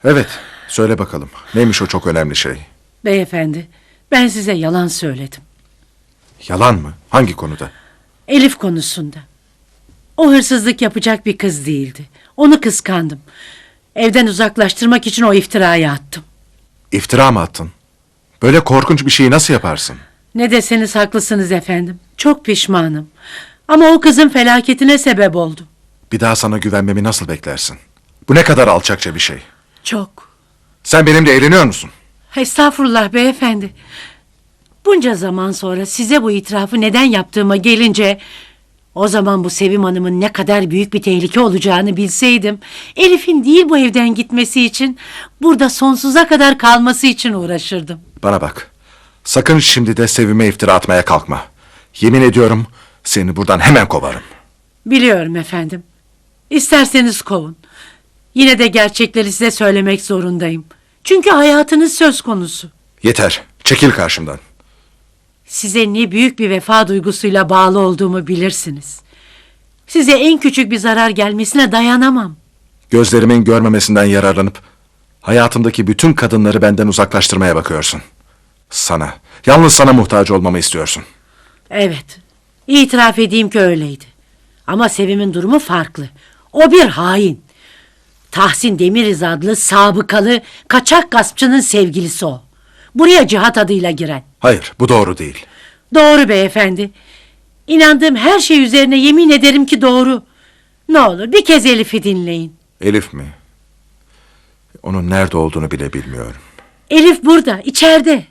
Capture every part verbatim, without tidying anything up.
Evet, söyle bakalım. Neymiş o çok önemli şey? Beyefendi, ben size yalan söyledim. Yalan mı? Hangi konuda? Elif konusunda. O hırsızlık yapacak bir kız değildi. Onu kıskandım. Evden uzaklaştırmak için o iftirayı attım. İftira mı attın? Böyle korkunç bir şeyi nasıl yaparsın? Ne deseniz haklısınız efendim. Çok pişmanım. Ama o kızın felaketine sebep oldum. Bir daha sana güvenmemi nasıl beklersin? Bu ne kadar alçakça bir şey. Çok. Sen benimle eğleniyor musun? Estağfurullah beyefendi. Bunca zaman sonra size bu itirafı neden yaptığıma gelince... O zaman bu Sevim Hanım'ın ne kadar büyük bir tehlike olacağını bilseydim... Elif'in değil bu evden gitmesi için... Burada sonsuza kadar kalması için uğraşırdım. Bana bak. Sakın şimdi de Sevim'e iftira atmaya kalkma. Yemin ediyorum seni buradan hemen kovarım. Biliyorum efendim. İsterseniz kovun. Yine de gerçekleri size söylemek zorundayım. Çünkü hayatınız söz konusu. Yeter. Çekil karşımdan. Size ne büyük bir vefa duygusuyla bağlı olduğumu bilirsiniz. Size en küçük bir zarar gelmesine dayanamam. Gözlerimin görmemesinden yararlanıp hayatımdaki bütün kadınları benden uzaklaştırmaya bakıyorsun. Sana, yalnız sana muhtaç olmamı istiyorsun. Evet, itiraf edeyim ki öyleydi. Ama Sevim'in durumu farklı. O bir hain. Tahsin Demiriz adlı sabıkalı kaçak gaspçının sevgilisi o. Buraya Cihat adıyla giren. Hayır, bu doğru değil. Doğru beyefendi. İnandığım her şey üzerine yemin ederim ki doğru. Ne olur bir kez Elif'i dinleyin. Elif mi? Onun nerede olduğunu bile bilmiyorum. Elif burada, içeride.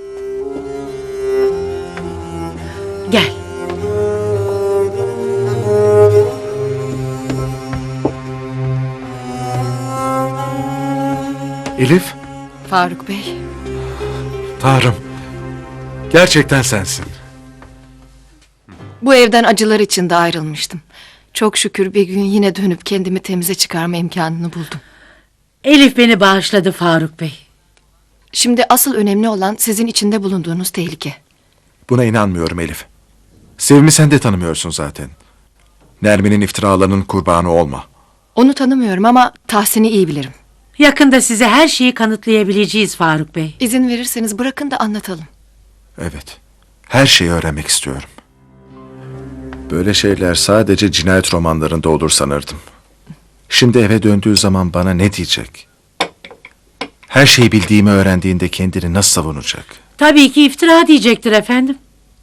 Gel. Elif, Faruk Bey, Tanrım. Gerçekten sensin. bu evden acılar içinde ayrılmıştım. Çok şükür bir gün yine dönüp kendimi temize çıkarma imkanını buldum. Elif beni bağışladı Faruk Bey. Şimdi asıl önemli olan sizin içinde bulunduğunuz tehlike. Buna inanmıyorum Elif. Sevim'i sen de tanımıyorsun zaten. Nermin'in iftiralarının kurbanı olma. Onu tanımıyorum ama Tahsin'i iyi bilirim. Yakında size her şeyi kanıtlayabileceğiz Faruk Bey. İzin verirseniz bırakın da anlatalım. Evet. Her şeyi öğrenmek istiyorum. Böyle şeyler sadece cinayet romanlarında olur sanırdım. Şimdi eve döndüğü zaman bana ne diyecek? Her şeyi bildiğimi öğrendiğinde kendini nasıl savunacak? Tabii ki iftira diyecektir efendim.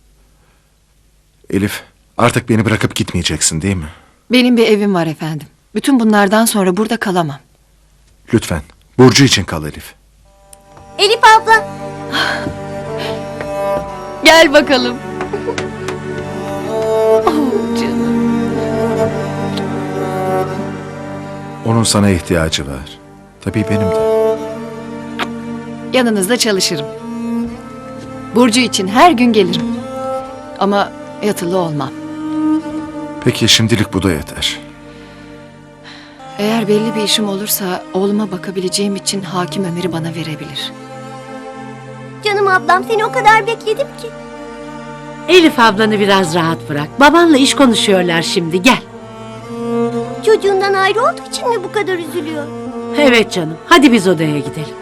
Elif, artık beni bırakıp gitmeyeceksin değil mi? Benim bir evim var efendim. Bütün bunlardan sonra burada kalamam. Lütfen, Burcu için kal Elif. Elif abla. Gel bakalım. Oh canım. Onun sana ihtiyacı var. Tabii benim de. Yanınızda çalışırım. Burcu için her gün gelirim. Ama yatılı olmam. Peki şimdilik bu da yeter. Eğer belli bir işim olursa oğluma bakabileceğim için hakim Ömer'i bana verebilir. Canım ablam, seni o kadar bekledim ki. Elif ablanı biraz rahat bırak. Babanla iş konuşuyorlar şimdi, gel. Çocuğundan ayrı olduğu için mi bu kadar üzülüyor? Evet canım, hadi biz odaya gidelim.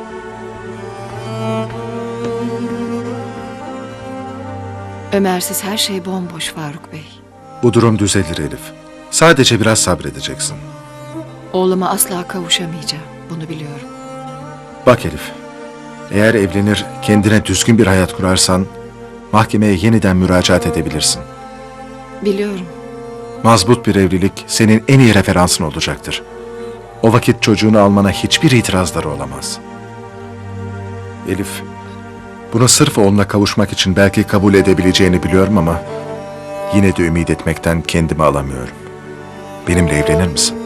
Ömersiz her şey bomboş Faruk Bey. Bu durum düzelir Elif. Sadece biraz sabredeceksin. Oğluma asla kavuşamayacağım. Bunu biliyorum. Bak Elif, eğer evlenir kendine düzgün bir hayat kurarsan mahkemeye yeniden müracaat edebilirsin. Biliyorum. Mazbut bir evlilik senin en iyi referansın olacaktır. O vakit çocuğunu almana hiçbir itirazları olamaz. Elif, bunu sırf oğluna kavuşmak için belki kabul edebileceğini biliyorum ama yine de ümit etmekten kendimi alamıyorum. Benimle evlenir misin?